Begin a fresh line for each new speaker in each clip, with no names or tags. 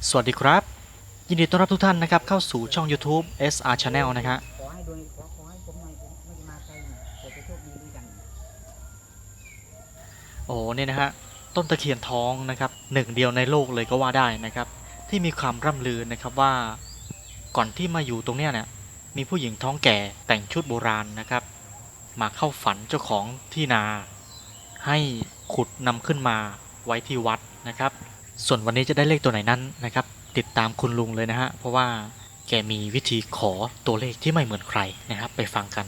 สวัสดีครับยินดีต้อนรับทุกท่านนะครับเข้าสู่ช่อง YouTube SR Channel นะครับ
ขอให้โดยขอให้ผมหน่อยผมไม่จะมาไกลเผื่อจะโชคดีด้วยกัน
โอ้เนี่ยนะฮะต้นตะเคียนทองนะครับหนึ่งเดียวในโลกเลยก็ว่าได้นะครับที่มีความร่ำลือนะครับว่าก่อนที่มาอยู่ตรงเนี้ยเนี่ยมีผู้หญิงท้องแก่แต่งชุดโบราณนะครับมาเข้าฝันเจ้าของที่นาให้ขุดนำขึ้นมาไว้ที่วัดนะครับส่วนวันนี้จะได้เลขตัวไหนนั้นนะครับติดตามคุณลุงเลยนะฮะเพราะว่าแกมีวิธีขอตัวเลขที่ไม่เหมือนใครนะครับไปฟังกัน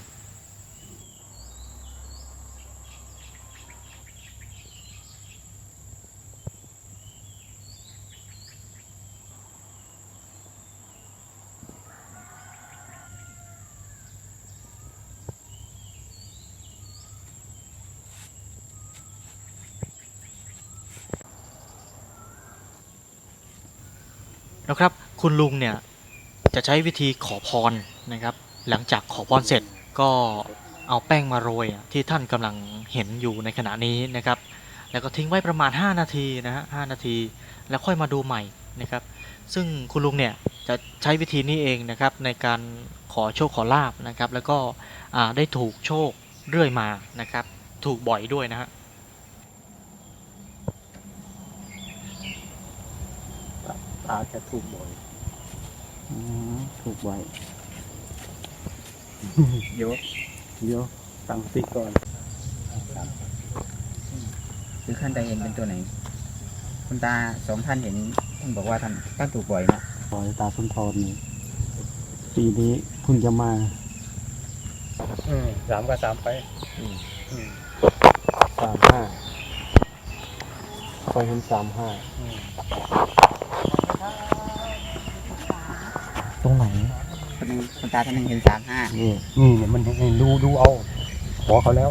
นะครับคุณลุงเนี่ยจะใช้วิธีขอพรนะครับหลังจากขอพรเสร็จก็เอาแป้งมาโรยที่ท่านกำลังเห็นอยู่ในขณะนี้นะครับแล้วก็ทิ้งไว้ประมาณ5นาทีนะฮะ5นาทีแล้วค่อยมาดูใหม่นะครับซึ่งคุณลุงเนี่ยจะใช้วิธีนี้เองนะครับในการขอโชคขอลาบนะครับแล้วก็ได้ถูกโชคเรื่อยมานะครับถูกบ่อยด้วยนะฮะ
อาจจะถูกบ่อย
ถูกบ่อย
เดี๋ยวตั้งสติก่อน
คือท่านใดเห็นเป็นตัวไหนคุณตาสองท่านเห็นท่านบอกว่าท่านถูกบ่อยนะ
ปล่อยตาสุนทรนี่ปีนี้คุณจะมาสามก็สามไป35คอยเห็น35
ตรงไหนคุณตาท่านนึงเห็น35
นี่เนี่ยมันให้ดูเอาขอเขาแล้ว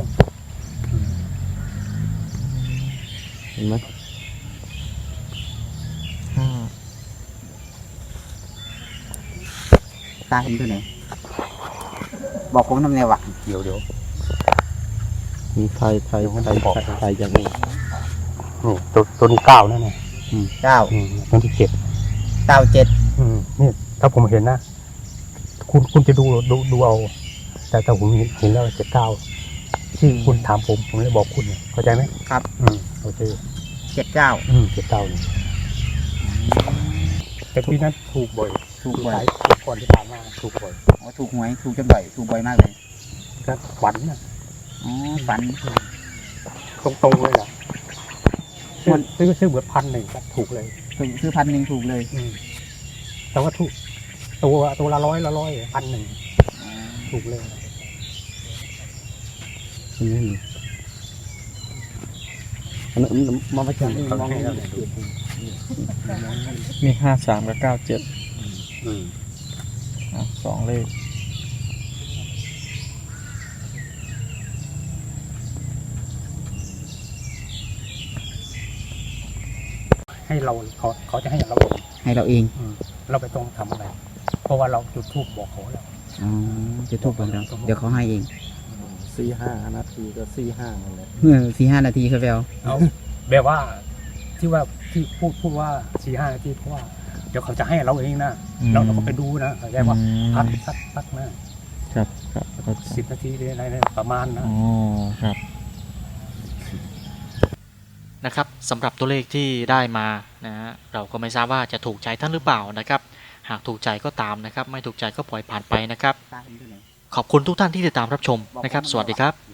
เห็นไหม
ตาเห็นตัวไหนบอกผมทำไงวะ
เดี๋ยวมีไทยอย่างนี้นี่ตัวนี้9นั่นไง
9
ตัวที่7
97
นี่ถ้าผมเห็นนะคุณจะดูเอาแต่ถ้าผมเห็นแล้ว79ที่คุณถามผมเลยบอกคุณเข้าใจไหม
ครับ
โอเค
79
79นี่แต่ที่นั้นถูกบ่อยก่อนที่ผ่านมาถูกบ่อย
ถูกหวยถูกจนบ่อยถูกบ่อยมากเลย
ก็ฝันนะ
ฝัน
ตรงเลยแหละซื้อเบิด1,000ก็ถูกเลย
ซื้อ1,000ถูกเลย
แต่ว่าถูกตัวละ100 1,000ถูกเลยมาประจันมองให้เรา
มี53กับ972 เลข
ให้เราเขาจะให้เรา
เอง
เราไปต้องทำอะไรเพราะว่าเราจุดธูปบอกเขาแล้ว
จุดธูปบอกเราเดี๋ยวเขาให้เอง
4-5 นาทีก็4-5นั่นแหละ
4-5 นาทีครับ
เอาแบบว่าที่พูดว่า4-5 นาทีเพราะว่าเดี๋ยวเขาจะให้เราเองนะเราก็ไปดูนะเข้าใจว่าพัก
ครับ
10 นาทีอะไรประมาณนะ
ครับ
นะครับสำหรับตัวเลขที่ได้มานะฮะเราก็ไม่ทราบว่าจะถูกใจท่านหรือเปล่านะครับหากถูกใจก็ตามนะครับไม่ถูกใจก็ปล่อยผ่านไปนะครับขอบคุณทุกท่านที่ติดตามรับชมนะครับสวัสดีครับ